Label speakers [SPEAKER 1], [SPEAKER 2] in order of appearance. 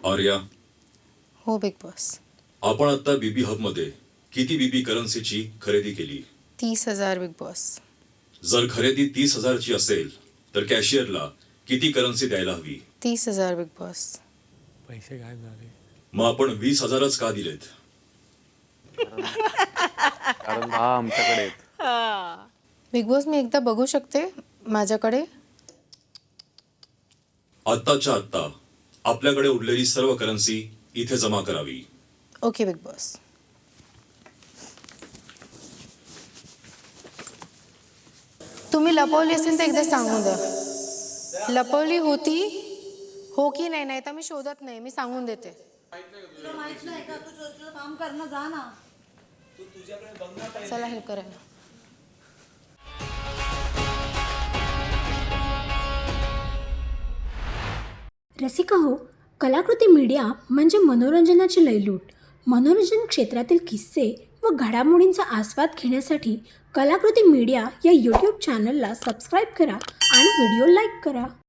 [SPEAKER 1] आर्या,
[SPEAKER 2] हो big boss.
[SPEAKER 1] आपण आता बीबी हब मध्ये किती बीबी करन्सीची खरेदी केली?
[SPEAKER 2] 30,000 बिग बॉस.
[SPEAKER 1] जर खरेदी 30,000 ची असेल तर कॅशियरला किती करन्सी द्यायला हवी?
[SPEAKER 2] 30,000 बिग बॉस.
[SPEAKER 3] पैसे काय झाले?
[SPEAKER 1] मग आपण 20,000च का दिलेत?
[SPEAKER 4] कारण 10 आमच्याकडे आहेत.
[SPEAKER 2] बिग बॉस मी एकदा बघू शकते माझ्याकडे?
[SPEAKER 1] आत्ताच्या आत्ता आपल्याकडे उरलेली सर्व करन्सी इथे जमा करावी.
[SPEAKER 2] Okay Bigg Boss. तुम्ही लपवली असेल तर एकदा सांगून द्या. लपवली होती हो की नाही? नाही तर मी शोधत नाही, मी सांगून देते.
[SPEAKER 5] तुला माहित नाही का? तू तुझं काम करणं जा ना.
[SPEAKER 2] चला हेल्प करायला.
[SPEAKER 6] रसिका हो, कलाकृती मीडिया म्हणजे मनोरंजनाची लयलूट. मनोरंजन क्षेत्रातील किस्से व घडामोडींचा आस्वाद घेण्यासाठी कलाकृती मीडिया या यूट्यूब चॅनलला सबस्क्राईब करा आणि व्हिडिओ लाईक करा.